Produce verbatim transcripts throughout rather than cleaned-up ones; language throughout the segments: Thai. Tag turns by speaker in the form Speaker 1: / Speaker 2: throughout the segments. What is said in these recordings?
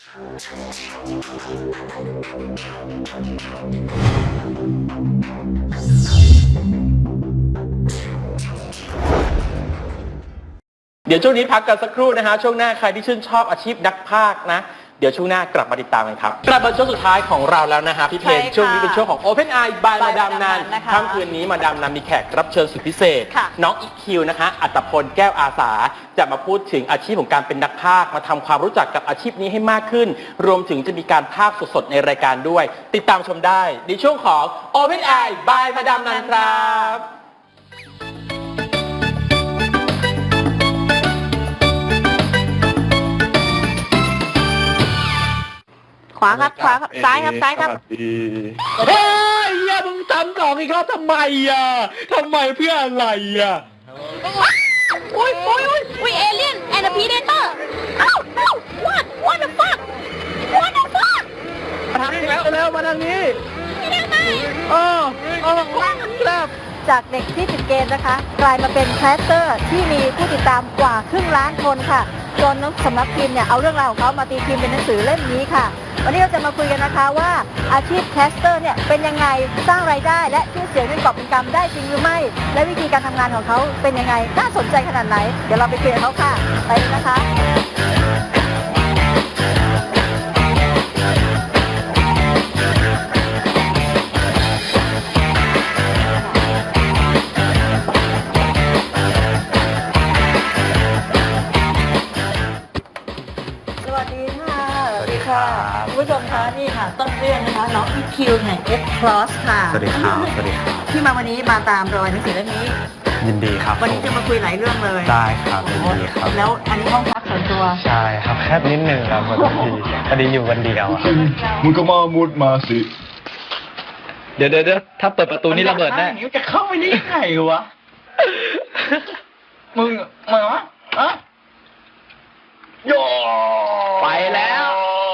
Speaker 1: เดี๋ยวช่วงนี้พักกันสักครู่นะฮะช่วงหน้าใครที่ชื่นชอบอาชีพนักพากย์นะเดี๋ยวช่วงหน้ากลับมาติดตามกันครับกลับมาช่วงสุดท้ายของเราแล้วนะฮะพี่เพนช่วงนี้เป็นช่วงของ Open Eye by มาดามนันค่ำคืนนี้มาดามนันมีแขกรับเชิญสุดพิเศษน้องอีคิวนะคะอัตพลแก้วอาสาจะมาพูดถึงอาชีพของการเป็นนักพากย์มาทำความรู้จักกับอาชีพนี้ให้มากขึ้นรวมถึงจะมีการพากย์สดๆในรายการด้วยติดตามชมได้ในช่วงของ Open Eye by มาดามนันครับ
Speaker 2: ขวาครับขวาครับซ้ายครับซ้ายครับ
Speaker 1: เฮ้ยอย่ามึงทำสองอีกแล้วทำไมอ่ะทำไมเพื่ออะไรอ่ะ
Speaker 2: อุ้ยอุ้ยอุ้ยอุ้ยเอเลี่ยนแอนด์พีเดเตอร์เอ้าเอ้า what what the fuck what the fuck
Speaker 1: มาทางนี้แล้วเร็วมาทางนี้
Speaker 2: ไม่ได้ไหม
Speaker 1: เออเออครับ
Speaker 3: จากเด็กที่ติดเกมนะคะกลายมาเป็นแคสเตอร์ที่มีผู้ติดตามกว่าครึ่งล้านคนค่ะจนสำนักพิมพ์เนี่ยเอาเรื่องราวของเขามาตีพิมพ์เป็นหนังสือเล่มนี้ค่ะวันนี้เราจะมาคุยกันนะคะว่าอาชีพแคสเตอร์เนี่ยเป็นยังไงสร้างรายได้และชื่อเสียงเป็นกอบเป็นกำได้จริงหรือไม่และวิธีการทำงานของเขาเป็นยังไงน่าสนใจขนาดไหนเดี๋ยวเราไปคุยกับเขาค่ะไปเลยนะคะคุณผู้ชมคะนี่ค่ะต้นเรื่องนะคะน้องอีคิวแห่ง X Cross ค่ะ
Speaker 4: สวัสดีครับสวัสดีครับ
Speaker 3: ที่มาวันนี้มาตามรอยหนังสือเล่มนี้
Speaker 4: ยินดีครับ
Speaker 3: วันนี้จะมาคุยหลายเรื่องเลย
Speaker 4: ได้ครับยินดีครับ
Speaker 3: แล้วอันนี้ห้องพักส่วนตัว
Speaker 4: ใช่ครับแคบนิดนึงครับพอดีพอดีอยู่วันเดียว
Speaker 5: มึงก็มามุดมาสิ
Speaker 1: เดี๋ยวเดี๋ยวถ้าเปิดประตูนี่ระเบิดแน่
Speaker 5: จะเข้าไปได้ยังไงวะมึงมาวะอะโย่
Speaker 1: ไปแล้ว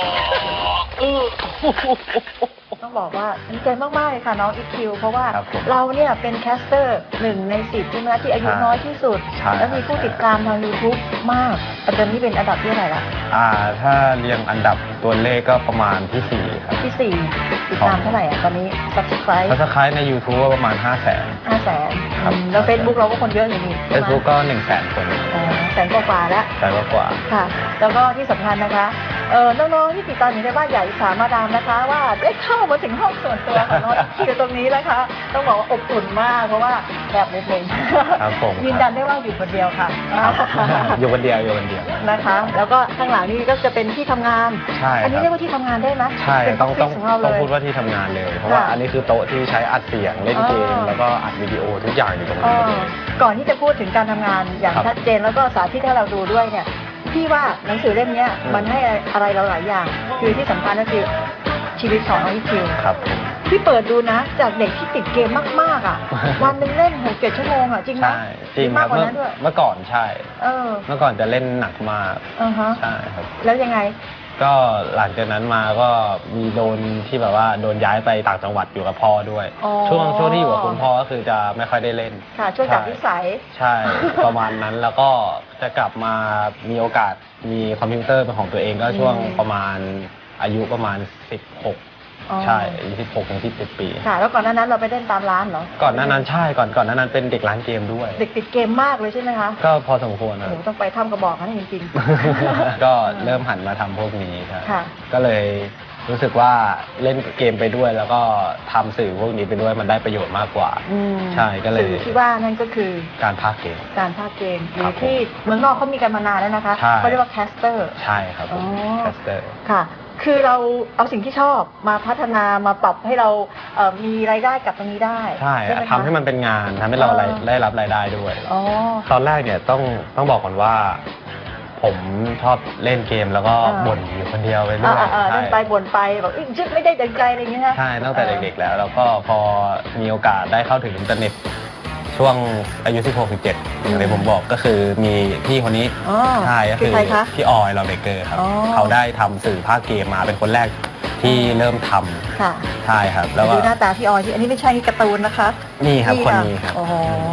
Speaker 3: ต้องบอกว่าดีใจมากๆเลยค่ะน้องอีคิวเพราะว่าเราเนี่ยเป็นแคสเตอร์หนึ่งในสิบใช่ไหมที่อายุน้อยที่สุดและมีผู้ติดตามทาง YouTube มากตอนนี้เป็นอันดับที่เท่าไหร่ละ
Speaker 4: อ่าถ้าเรียงอันดับตัวเลขก็ประมาณที่สี่ครับ
Speaker 3: ที่สี่ติดตามเท่าไหร่อ่ะตอนนี้ Subscribe
Speaker 4: Subscribe ใน YouTube ก็ประมาณห้าแสน
Speaker 3: ห้าแสนครับแล้ว Facebook เราก็คนเยอะอยู่นี่
Speaker 4: Facebook ก็หนึ่งแสนคน
Speaker 3: อ๋อแสนกว่าๆแล้ว
Speaker 4: แสนกว่า
Speaker 3: ค่ะแล้วก็ที่สำคัญนะคะเออน้องๆที่ติดตามอยู่ในบ้านใหญ่สามมาดามนะคะว่าได้เข้ามาถึงห้องส่วนตัวของน้องคิวตรงนี้นะคะต้องบอกว่าอบอุ่นมากเพราะว่าแบบเล็กๆยืนยันได้ว่าอยู่คนเดียวค่ะ
Speaker 4: อยู่คนเดียวอยู่คนเดียว
Speaker 3: นะคะแล้วก็ข้างหลังนี่ก็จะเป็นที่ทำงาน
Speaker 4: ใช่
Speaker 3: อันนี้เรียกว่าที่ทำงานได้ไหม
Speaker 4: ใช่ต้องต้องต้องพูดว่าที่ทำงานเลยเพราะว่าอันนี้คือโต๊ะที่ใช้อัดเสียงเล่นเกมแล้วก็อัดวิดีโอทุกอย่างอยู่ตรงนี้
Speaker 3: ก่อนที่จะพูดถึงการทำงานอย่างชัดเจนแล้วก็สาธิตให้เราดูด้วยเนี่ยพี่ว่าหนังสือเล่มนี้มันให้อะไรเราหลายอย่างคือที่สำคัญก็คือชีวิตของน้องอีคิว
Speaker 4: ครับ
Speaker 3: พี่เปิดดูนะจากเด็กที่ติดเกมมากๆอ่ะวันนึงเล่นหกเจ็ดชั่วโมงอ่ะจริงไหม
Speaker 4: ใช่จริงมากกว่านั้นด้วยเมื่อก่อนใช่เออเมื่อก่อนจะเล่นหนักมากใช่ครับ
Speaker 3: แล้วยังไง
Speaker 4: ก็หลังจากนั้นมาก็มีโดนที่แบบว่าโดนย้ายไปต่างจังหวัดอยู่กับพ่อด้วยช่วงช่วงที่อยู่กับคุณพ่อก็คือจะไม่ค่อยได้เล่น
Speaker 3: ค่ะช่วงจากวิสัย
Speaker 4: ใช่ประมาณนั้นแล้วก็จะกลับมามีโอกาสมีคอมพิวเตอร์เป็นของตัวเองก็ช่วงประมาณอายุประมาณสิบหกใช่สิบหกถึงสิบเจ็ดปี
Speaker 3: ค่ะแล้วก่อนหน้านั้นเราไปเล่นตามร้านเหรอ
Speaker 4: ก่อนหน้านั้นใช่ก่อนก่อนหน้านั้นเป็นเด็กร้านเกมด้วย
Speaker 3: เด็กติดเกมมากเลยใช่ไหมคะ
Speaker 4: ก็พอสมควรนะ
Speaker 3: ต้องไปทำกระบอกนั้นจริง
Speaker 4: ๆก็เริ่มหันมาทำพวกนี้ครับก็เลยรู้สึกว่าเล่นเกมไปด้วยแล้วก็ทำสื่อพวกนี้ไปด้วยมันได้ประโยชน์มากกว่าใช่ก็เลย
Speaker 3: สื่อที่ว่านั่นก็คือ
Speaker 4: การพากย์เกม
Speaker 3: การพากย์เกมหรือที่เมืองนอกเขามีกันมานานแล้วนะคะเขาเรียกว่าแคสเตอร์
Speaker 4: ใช่ครับแคสเตอร์
Speaker 3: ค่ะคือเราเอาสิ่งที่ชอบมาพัฒนามาปรับให้เราเอ่อมีรายได้กับตรงนี้ได้
Speaker 4: ใช่ทำให้มันเป็นงานทำให้เราได้รับรายได้ด้วยตอนแรกเนี่ยต้องต้องบอกก่อนว่าผมชอบเล่นเกมแล้วก็บ่นอยู่คนเดียวไปเรื่อย
Speaker 3: เล่นไปบ่นไปแบบชึไม่ได้ดังใจอะไรอย่างเงี้ย
Speaker 4: ใช่ตั้งแต่เด็กๆแล้วแล้วก็พอมีโอกาสได้เข้าถึงอินเทอร์เน็ตช่วงอายุ สิบหก สิบเจ็ด อย่างที่ผมบอกก็คือมีพี่คนนี้ใช่ก็คือพี่ออยลอเบเกอร์ครับเขาได้ทำสื่อภาคเกมมาเป็นคนแรกที่เริ่มทำใช่ครับ
Speaker 3: แล้วดูหน้าตาพี่ออยที่อันนี้ไม่ใช่การ์ตูนนะคะ
Speaker 4: นี่ครับคนนี้ครับ
Speaker 3: อ๋อ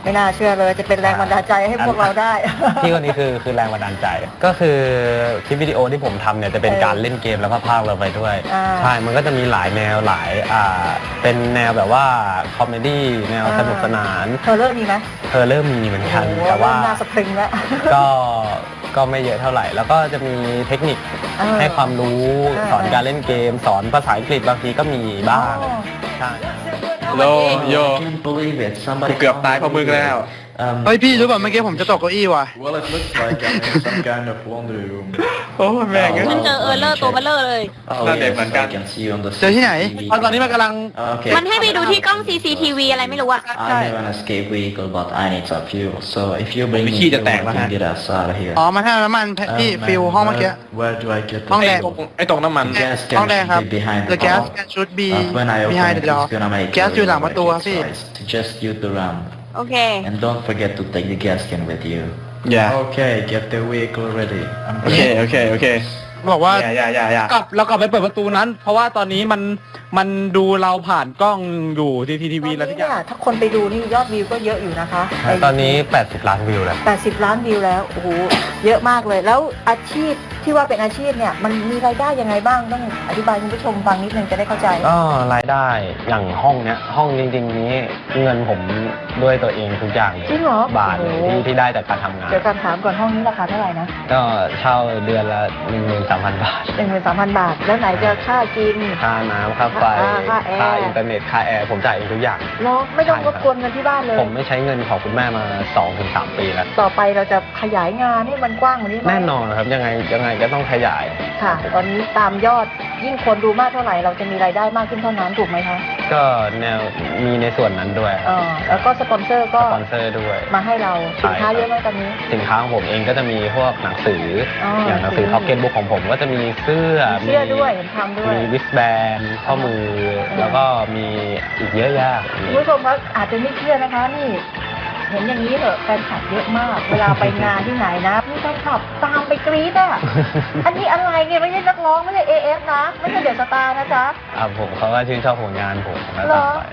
Speaker 3: ไม่น่าเชื่อเลยจะเป็นแรงบันดาลใจให้พวกเราได้
Speaker 4: พี่คนนี้คือคือแรงบันดาลใจ ก็คือคลิปวิดีโอที่ผมทำเนี่ยจะเป็นการเล่นเกมแล้วก็พากย์เราไปด้วย
Speaker 3: อ่า
Speaker 4: ใช่ มันก็จะมีหลายแนวหลายอ่าเป็นแนวแบบว่าคอมเมดี้แนวสนุกสนาน
Speaker 3: เธอเลิกมีไหม
Speaker 4: เธอเริ่มมีเหมือนกัน
Speaker 3: โอ้โห
Speaker 4: แต่ว่า
Speaker 3: เริ่มน่าสะพรึงแล้ว
Speaker 4: ก็ก็ไม่เยอะเท่าไหร่ แล้วก็จะมีเทคนิค
Speaker 3: เออ
Speaker 4: ให้ความรู้
Speaker 3: เออ
Speaker 4: สอนการเล่นเกม สอนภาษาอังกฤษบางทีก็มีบ้าง
Speaker 3: อ๋อ
Speaker 4: ใช่
Speaker 1: โลโย
Speaker 6: Can't believe it.
Speaker 1: กู
Speaker 6: Somebody
Speaker 1: เกือบตายเพราะมึงแล้ว
Speaker 6: Um,
Speaker 5: เฮ้ยพี่รู้ป่ะเมื่อกี้ผมจะตกเก้าอี้ว่ะ
Speaker 7: Well, it looks like I'm in some kind of laundry room.
Speaker 1: โอ้แม่ง
Speaker 2: ฉันเจอเออร์เลอร์ตัวเบลเลอร์เลย
Speaker 6: oh
Speaker 1: น่าเด็ก
Speaker 6: yes,
Speaker 1: เหมือนกัน
Speaker 6: I can see you on the
Speaker 5: เจอที่ไหน
Speaker 6: ซี ซี ที วี
Speaker 5: ตอนนี้มันกำลัง
Speaker 6: Okay.
Speaker 2: มันให้ไปดูที่กล้อง ซี ซี ที วี อะไรไม่รู้อะ
Speaker 6: I have an escape vehicle, but I need some fuel. So if you bring
Speaker 1: มี
Speaker 6: me
Speaker 1: ขี้จะ
Speaker 6: fuel,
Speaker 1: แตก
Speaker 6: we
Speaker 1: แล้วฮะ
Speaker 6: can get us out of here.
Speaker 5: อ๋อมันให้น้ำมันพี่
Speaker 7: Um,
Speaker 5: ฟิล
Speaker 7: man,
Speaker 5: ห้องเมื่อกี้
Speaker 7: where, where do I get the
Speaker 5: ห้องแด
Speaker 1: ไอ้
Speaker 5: ง
Speaker 1: ตรงไอ้ตรงน้ำมัน
Speaker 6: The gas
Speaker 5: ห้อง
Speaker 6: can
Speaker 5: แดงครับ
Speaker 6: be behind
Speaker 5: the
Speaker 6: the
Speaker 5: gas
Speaker 6: door.
Speaker 5: can should be
Speaker 6: But when I open
Speaker 5: behind
Speaker 6: it,
Speaker 5: the door
Speaker 6: it's gonna make
Speaker 5: แก๊สอยู่หลัง
Speaker 6: everyone
Speaker 5: ประตูครับพี่
Speaker 6: exercise. To just use the ramp.
Speaker 2: โอเค
Speaker 6: And don't forget to take the gas can with you.
Speaker 1: yeah
Speaker 7: Okay, get the vehicle ready. I'm
Speaker 1: โอเคโอเคโอเค
Speaker 5: บอกว่า
Speaker 1: อย่าอย่าอย่าอย่าก
Speaker 5: ลับเรากลับไปเปิดประตูนั้น เพราะว่าตอนนี้มันมันดูเราผ่านกล้องอยู่ ซี ซี ที
Speaker 3: ต
Speaker 5: วี
Speaker 3: อน
Speaker 5: แล้ว
Speaker 3: นี้
Speaker 5: ทุกอ
Speaker 3: เนี่
Speaker 5: ย่าง
Speaker 3: ยถ้าคนไปดูนี่ยอดวิวก็เยอะอยู่นะคะ
Speaker 4: ตอนนี้ แปดสิบ ล้านวิวแล้ว
Speaker 3: แปดสิบล้านวิวแล้วโอ้โหเยอะมากเลย แล้วอาชีพที่ว่าเป็นอาชีพเนี่ยมันมีรายได้ยังไงบ้างต้องอธิบายคุณผู้ชมฟังนิดนึงจะได้เข้าใจ
Speaker 4: ก็รายได้อย่างห้องเนี้ยห้องจริงๆนี้เงินผมด้วยตัวเองทุกอย่างเลย
Speaker 3: จริงเหรอบ
Speaker 4: าทเลย
Speaker 3: โอ้โห
Speaker 4: ที่ที่ได้จากการทำงาน
Speaker 3: เดี๋ยวการถามก่อนห้องนี้ราคาเท่าไหร่นะ
Speaker 4: ก็เช่าเดือนละหนึ่งหมื่นสามพันบาท
Speaker 3: หนึ่งหมื่นสามพันบาท แล้วไหนจะค่ากิน
Speaker 4: ค่าน้ำค่าไฟ
Speaker 3: ค่าค่าแอร์
Speaker 4: ค่าอินเทอร์เน็ตค่าแอร์ผมจ่ายเองทุกอย่าง
Speaker 3: เนาะไม่ต้องรบกวนเงินที่บ้านเลย
Speaker 4: ผมไม่ใช้เงินของคุณแม่มา สองถึงสาม ปีแล้ว
Speaker 3: ต่อไปเราจะขยายงานให้มันกว้างกว่านี้ไหม
Speaker 4: แน่นอนครับยังไงยังไงก็ต้องขยาย
Speaker 3: ค่ะ ตอนนี้ตามยอดยิ่งคนดูมากเท่าไหร่เราจะมีรายได้มากขึ้นเท่านั้นถูกไหมคะ
Speaker 4: ก็แนวมีในส่วนนั้นด้วย
Speaker 3: เออแล้วก็สปอนเซอร์
Speaker 4: ส
Speaker 3: ก็
Speaker 4: ปอนเซอร์ด้วย
Speaker 3: มาให้เราสินค้า
Speaker 4: ใช่ครับ
Speaker 3: เยอะมากตอนนี้
Speaker 4: สินค้าของผมเองก็จะมีพวกหนังสือ
Speaker 3: อ๋อ
Speaker 4: อ
Speaker 3: อย่าง
Speaker 4: หนังสือ
Speaker 3: หนังสือ
Speaker 4: พ็อกเก็ตบุ๊กของผมก็จะมีเสื้อ
Speaker 3: มีเสื้อด้วยเห็นทำด้วย
Speaker 4: มีวิสแบนข้อมือ แล้วก็มีอีกเยอะแยะ
Speaker 3: คุณผู้ชมครับอาจจะไม่เชื่อนะคะนี่ เห็นอย่างนี้เหรอะแฟนคลับเยอะมาก เวลาไปงานที่ไหนนะมีแฟนคลับตามไปกรี๊ดอ่ะ อันนี้อะไรเนี่ยไม่ใช่นักร้องไม่ใช่ เอ เอฟ นะ ไม่ใช่เดอะสตาร์นะจ๊ะ
Speaker 4: อ่ะผมเขาก็ชื่นชอบผลงานผมแล้ว
Speaker 3: เหร
Speaker 4: ตา
Speaker 3: อ
Speaker 4: มไป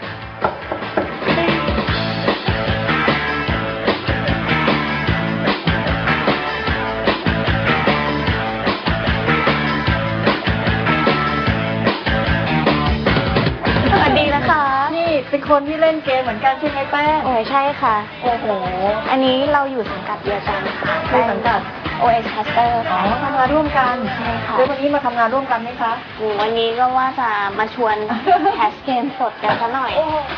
Speaker 2: สวัสดีนะคะ
Speaker 3: นี่เป็นคนที่เล่นเกมเหมือนกันใช่ไหมแป้ง
Speaker 8: โอ้ยใช่ค่ะ
Speaker 3: โอ้โห
Speaker 8: อันนี้เราอยู่สังกัดเดียวกันค่ะ
Speaker 3: ในสังกัด
Speaker 8: โอ เอส Caster
Speaker 3: อ๋อ
Speaker 8: ค่ะ
Speaker 3: ทำงานร่วมกัน
Speaker 8: ใช่ค่ะ
Speaker 3: แล้ววันนี้มาทำงานร่วมกันไหมคะ
Speaker 8: อืมวันนี้ก็ว่าจะมาชวน แคสเกมสดกันซะหน่อย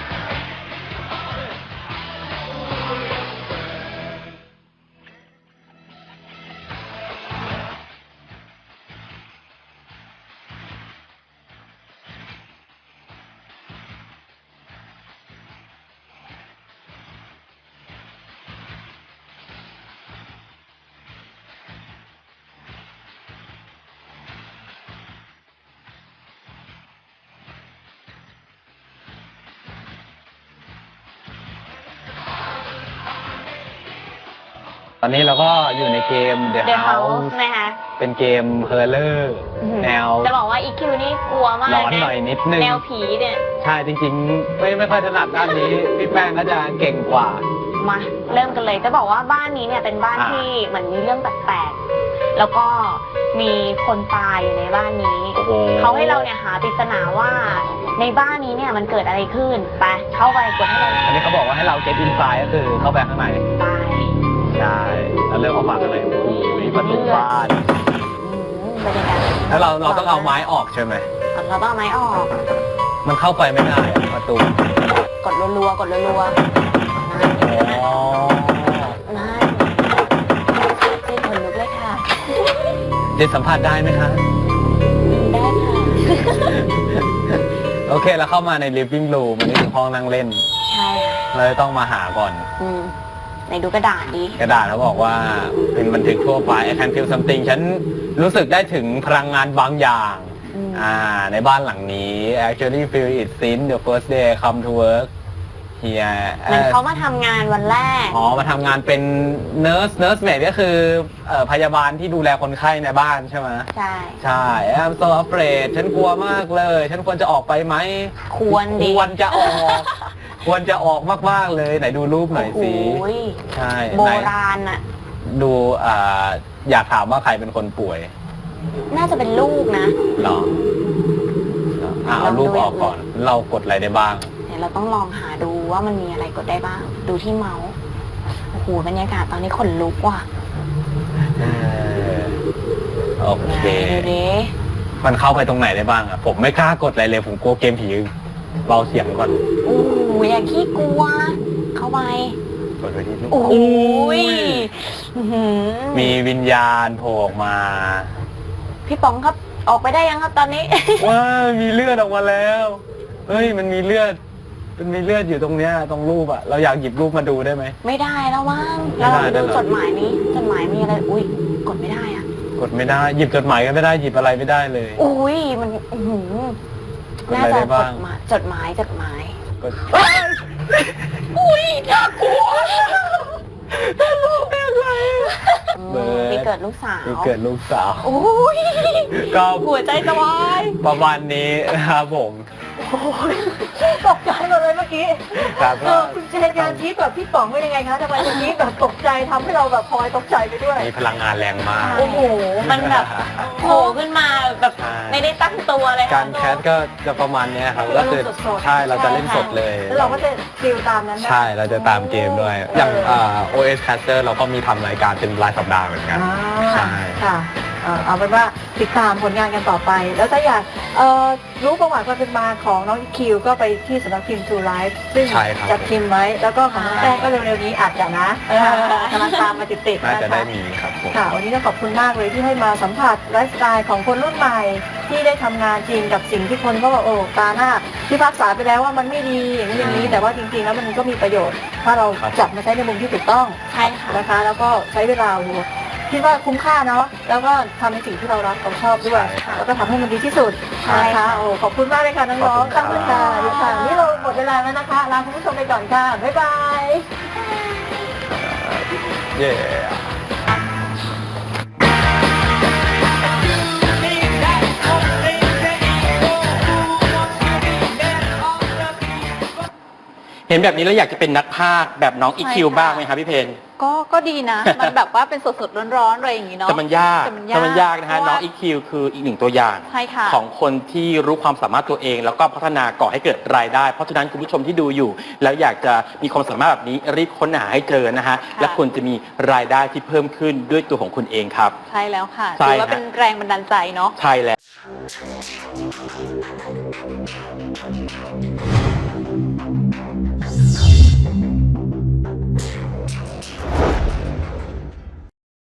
Speaker 4: ตอนนี้เราก็อยู่ในเกม The
Speaker 8: The
Speaker 4: House
Speaker 8: House นะคะ
Speaker 4: เป็นเกมเฮอร์เลอร์
Speaker 8: อื้อหือ
Speaker 4: แนว
Speaker 8: จะบอกว่า อี คิว นี่กลัวมาก
Speaker 4: ร้อนหน่อยนิดนึง
Speaker 8: แนวผีเนี่ย
Speaker 4: ใช่จริงๆ ไม่ไม่ค่อยถนัดด้านนี้ พี่แป้งก็จะเก่งกว่า
Speaker 8: มาเริ่มกันเลย จะบอกว่าบ้านนี้เนี่ยเป็นบ้าน
Speaker 4: อ่า
Speaker 8: ที่เหมือนมีเรื่องแปลกๆ แล้วก็มีคนตายอยู่ในบ้านนี้
Speaker 4: โอ้โห
Speaker 8: เขาให้เราเนี่ยหาปริศนาว่าในบ้านนี้เนี่ยมันเกิดอะไรขึ้น ไปเข้าไปกดให้เรา
Speaker 4: อันนี้เขาบอกว่าให้เรา get inside ก็คือเข้าไปข้างใน
Speaker 8: ตาย
Speaker 4: ใช่แล้วเริ่มเข้ามาข้างในโอ้โหประตูบ้าน
Speaker 8: อืมบรรยากาศ
Speaker 4: แล้วเราเราต้องเอาไม้ออกใช่ไหม
Speaker 8: เราต้องเอาไม้ออก
Speaker 4: มันเข้าไปไม่ได้อะประตู
Speaker 8: กดรัวๆกดรัวๆ
Speaker 4: อ๋อ
Speaker 8: นั่นเส้นขนลุกเลยค่ะ
Speaker 4: จิตสัมผัสได้ไหมคะ
Speaker 8: ได้ค่ะ
Speaker 4: โอเคแล้วเข้ามาใน living room อันนี้คือห้องนั่งเล่น
Speaker 8: ใช่ค่ะ
Speaker 4: เราจะต้องมาหาก่อน
Speaker 8: อืมไหนดูกระดาษดิ
Speaker 4: กระดาษเขาบอกว่าเป็นบันทึกทั่วไป I can feel something ฉันรู้สึกได้ถึงพลังงานบางอย่าง
Speaker 8: อืม
Speaker 4: อ่าในบ้านหลังนี้ actually feel it since the first day I come to work here
Speaker 8: เหมือนเขามาทำงานวันแรก
Speaker 4: อ๋อมาทำงานเป็น nurse nurse maid ก็คือเอ่อพยาบาลที่ดูแลคนไข้ในบ้านใช่ไหม
Speaker 8: ใช่
Speaker 4: ใช่ I'm so afraid ฉันกลัวมากเลย ฉันควรจะออกไปไหม
Speaker 8: ควรดิ
Speaker 4: ควรจะออกควรจะออกมากๆเลยไหนดูรูปหน่อยสิ
Speaker 8: โอ้ย
Speaker 4: ใช่
Speaker 8: โบ
Speaker 4: ไหน
Speaker 8: ราณอะ
Speaker 4: ดูอ่าอยากถามว่าใครเป็นคนป่วย
Speaker 8: น่าจะเป็นลูกนะ
Speaker 4: หรออ่ะเอารูปออกก่อน เรากดอะไรได้บ้าง
Speaker 8: เดี๋ยวเราต้องลองหาดูว่ามันมีอะไรกดได้บ้าง ดูที่เมาส์โอ้โหบรรยากาศตอนนี้ขนลุกว่ะ
Speaker 4: เออโอเค
Speaker 8: ดูดิ
Speaker 4: มันเข้าไปตรงไหนได้บ้างอ่ะ ผมไม่กล้ากดอะไรเลย ผมกลัวเกมผีเบาเสียงก่อน
Speaker 8: โอ้ยอย่าขี้กลัว เข้าไป
Speaker 4: กดไปที่รูป
Speaker 8: โอ้ยอื้อหือ
Speaker 4: มีวิญญาณโผล่ออกมา
Speaker 8: พี่ป๋องครับ ออกไปได้ยังครับตอนนี้
Speaker 4: ว้ามีเลือดออกมาแล้ว เฮ้ย มันมีเลือด มันมีเลือดอยู่ตรงเนี้ย ตรงรูปอ่ะ เราอยากหยิบรูปมาดูได้ไหม
Speaker 8: ไม่ได้แล้วมั้ง
Speaker 4: ไม่
Speaker 8: เรา
Speaker 4: ได้
Speaker 8: ไปดู
Speaker 4: ได้เหรอ
Speaker 8: จดหมายนี้ จดหมายมีอะไร อุ้ย กดไม่ได้อ่ะ
Speaker 4: กดไม่ได้ หยิบจดหมายก็ไม่ได้ หยิบอะไรไม่ได้เลย
Speaker 8: อุ้ย มันอื้อหือก
Speaker 4: ด
Speaker 8: น่า
Speaker 4: อะไร
Speaker 8: จะ
Speaker 4: ได้
Speaker 8: จ
Speaker 4: บ้า
Speaker 8: ด
Speaker 4: ง
Speaker 8: หมายจดหมายจดหมาย
Speaker 4: กด
Speaker 8: อุ้ยน่ากลัวลูกอะไร
Speaker 4: เบิร์ด
Speaker 8: มีเกิดลูกสาว
Speaker 4: ที่เกิดลูกสาว
Speaker 8: โอ้ย
Speaker 4: ก็
Speaker 8: หัวใจจะวาย
Speaker 4: ประมาณนี้นะครับผม
Speaker 3: ตกใจหมดเลยเมื่อกี้
Speaker 4: ครับ
Speaker 3: เออคุณเจนการชี้แบบพี่ป๋องเป็นยังไงคะทำไมถึงนี้แบบตกใจทำให้เราแบบพลอยตกใจไปด้วย
Speaker 4: มีพลังงานแรงมาก
Speaker 3: โอ้โห
Speaker 8: มันแบบโผล่ขึ้นมาแบบ
Speaker 4: ใช่
Speaker 8: ไม่ได้ตั้งตัวเลย
Speaker 4: การแคสก็จะประมาณเนี้ยครับ ก็คือ
Speaker 3: สดๆ
Speaker 4: ใช่ เราจะเล่นสดเลย
Speaker 3: แล้วเราก็จะฟิลตามนั้นนะ
Speaker 4: ใช่ เราจะตามเกมด้วย อย่างอ่า โอ เอส Caster เราก็มีทำรายการเป็นรายสัปดาห์เหมือนกัน
Speaker 3: อ่า
Speaker 4: ใช่
Speaker 3: ค่ะเอ่อเอาเป็นว่าติดตามผลงานกันต่อไป แล้วถ้าอยากเอ่อรู้ประวัติความเป็นมาของน้องคิวก็ไปที่สำนักพิมพ์ True Life ซึ่ง
Speaker 4: ใช่ครับ
Speaker 3: จัดพิมพ์ไว้ แล้วก็ของน้องแป้งก็เร็วๆนี้อาจจะนะเออกำลังตามมาติดๆ
Speaker 4: น่า
Speaker 3: นะ
Speaker 4: จะได้
Speaker 3: คะ
Speaker 4: มีครับผม
Speaker 3: ค่ะ วันนี้ก็ขอบคุณมากเลยที่ให้มาสัมผัสไลฟ์สไตล์ของคนรุ่นใหม่ที่ได้ทำงานจริงกับสิ่งที่คนก็บอกโอ้ตาหน้าที่พักษาไปแล้วว่ามันไม่ดีอย่างนี้อย่างนี้แต่ว่าจริงๆแล้วมันก็มีประโยชน์ ถ้าเรา
Speaker 4: ครับ
Speaker 3: จับมาใช้ในมุมที่ถูกต้อง
Speaker 8: ใช่ค่ะ
Speaker 3: นะคะ แล้วก็ใช้เวลาอยู่คิดว่าคุ้มค่าเนาะแล้วก็ทำในสิ่งที่เรารักเราชอบด้วย
Speaker 4: ใช่ครับ
Speaker 3: แล้วก็ทำให้มันดีที่สุด
Speaker 8: ใช่
Speaker 3: นะคะโอ้ขอบคุณมากเลยค่ะน้องๆ
Speaker 4: ขอบคุณครับ
Speaker 3: ตั้งใจค่ะนี่เราหมดเวลาแล้วนะคะลาคุณผู้ชมไปก่อนค่ะบ๊ายบาย
Speaker 4: เย้
Speaker 1: เห็นแบบนี้แล้วอยากจะเป็นนักพากย์แบบน้องอีคิว
Speaker 2: ใช่ค่ะ
Speaker 1: บ้างไหมครับพี่เพน
Speaker 2: ก็ก็ดีนะ มันแบบว่าเป็นสดๆร้อนๆอะไรอย่างงี้เนาะ
Speaker 1: แต่มันยาก
Speaker 2: แต่มัน
Speaker 1: แต่มันยากนะฮะ
Speaker 2: เพรา
Speaker 1: น้อง
Speaker 2: ว่า
Speaker 1: อีคิวคืออีกหนึ่งตัวอย่าง
Speaker 2: ใช่ค่ะ
Speaker 1: ของคนที่รู้ความสามารถตัวเอง แล้วก็พัฒนาก่อให้เกิดรายได้ เพราะฉะนั้นคุณผู้ชมที่ดูอยู่ แล้วอยากจะมีความสามารถแบบนี้รีบค้นหาให้เจอนะฮะและคุณจะมีรายได้ที่เพิ่มขึ้นด้วยตัวของคุณเองครับ
Speaker 2: ใช่แล้วค่ะ
Speaker 1: ใช่
Speaker 2: ถือว่า
Speaker 1: ฮะ
Speaker 2: เป็นแรงบันดาลใจเนาะ
Speaker 1: ใช่แล้ว